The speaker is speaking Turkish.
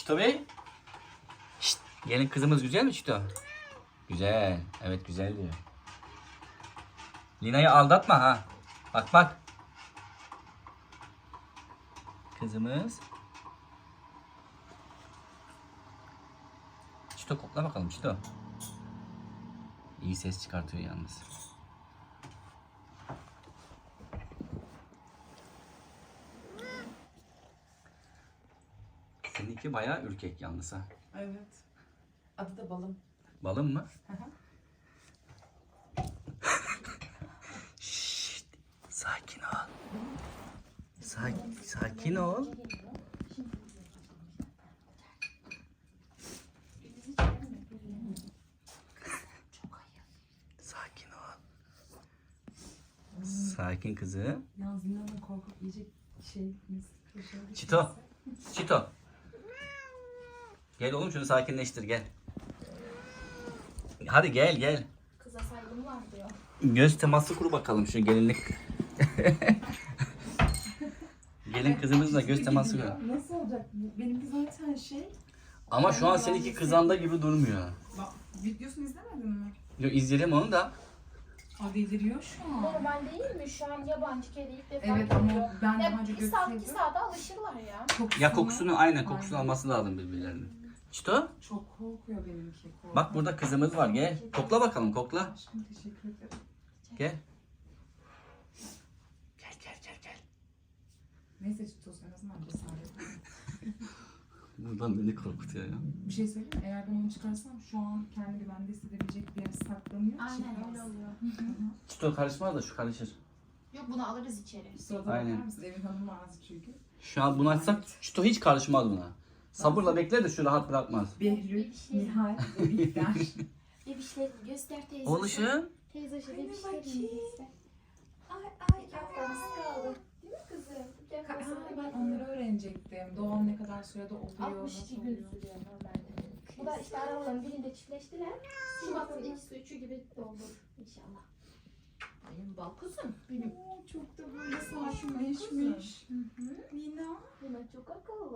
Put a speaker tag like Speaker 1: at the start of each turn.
Speaker 1: Çito Bey. Şşt, gelin kızımız güzel mi Çito? Güzel. Evet güzel diyor. Lina'yı aldatma ha. Bak bak. Kızımız. Çito kokla bakalım Çito. İyi ses çıkartıyor yalnız. Seninki bayağı ürkek yalnız ha.
Speaker 2: Evet. Adı da Balım.
Speaker 1: Balım mı?
Speaker 2: Hı hı.
Speaker 1: Şşt, sakin ol. Sakin ol. Sakin ol. Sakin kızım.
Speaker 2: Yalnız Lina'nın korkup yiyecek şey...
Speaker 1: Çito. Çito. Gel oğlum şunu sakinleştir gel. Hadi gel gel.
Speaker 3: Kıza saygım var diyor.
Speaker 1: Göz teması kur bakalım şu gelinlik. Gelin kızımızla göz teması kur.
Speaker 2: Nasıl olacak? Benimki zaten şey...
Speaker 1: Ama şu an seninki kızanda gibi durmuyor.
Speaker 2: Bak, videosunu izlemedin mi?
Speaker 1: Yo, izleyelim onu da.
Speaker 2: O deliriyor şu an.
Speaker 3: Normal değil mi? Şu an yabancı kedi ilk defa
Speaker 2: Evet
Speaker 3: geliyor.
Speaker 2: ama ben
Speaker 3: Ya
Speaker 2: daha önce
Speaker 3: bir saat, iki
Speaker 2: götürdüm.
Speaker 3: saate alışırlar ya.
Speaker 1: Ya kokusunu aynen kokusunu alması lazım birbirlerinin. Çito.
Speaker 2: Çok korkuyor benimki. Korkuyor.
Speaker 1: Bak burada kızımız var gel. Kokla bakalım kokla.
Speaker 2: Aşkım teşekkür ederim.
Speaker 1: Gel. Gel gel gel gel.
Speaker 2: Neyse Çitos en azından cesaret.
Speaker 1: Buradan beni korkutuyor ya.
Speaker 2: Bir şey söyleyeyim mi? Eğer ben onu çıkarsam şu an kendi güvende hissedebilecek bir yere saklanıyor.
Speaker 3: Aynen
Speaker 2: çıkmaz.
Speaker 3: öyle oluyor.
Speaker 1: Çito karışmaz da şu karışır.
Speaker 3: Yok bunu alırız içeri.
Speaker 2: Sırada
Speaker 1: Aynen.
Speaker 2: bakar mısın? Evin hanımı ağzı çünkü.
Speaker 1: Şu an bunu açsak Çito hiç karışmaz buna. Sabırla bekler de şu rahat bırakmaz.
Speaker 2: Behlül, Nihal ve Bihter.
Speaker 3: Bebişleri göster teyze.
Speaker 1: Oluşum.
Speaker 3: Teyze şu
Speaker 2: Anne
Speaker 3: bebişleri
Speaker 2: bakayım.
Speaker 3: göster.
Speaker 2: Ay
Speaker 3: İki haftamız kaldı. Değil mi kızım? İki haftamız
Speaker 2: Ben onları öğrenecektim. Doğum ne kadar sürede oluyor,
Speaker 3: 62
Speaker 2: nasıl
Speaker 3: gün
Speaker 2: oluyor?
Speaker 3: sürüyor normalde. Bu da işte aralarının birinde çiftleştiler. Şubat'ın ikisi üçü gibi olur inşallah. Benim bal kızım. Benim
Speaker 2: Oo, çok da böyle sakinleşmiş. Nina.
Speaker 3: Lina çok akıllı.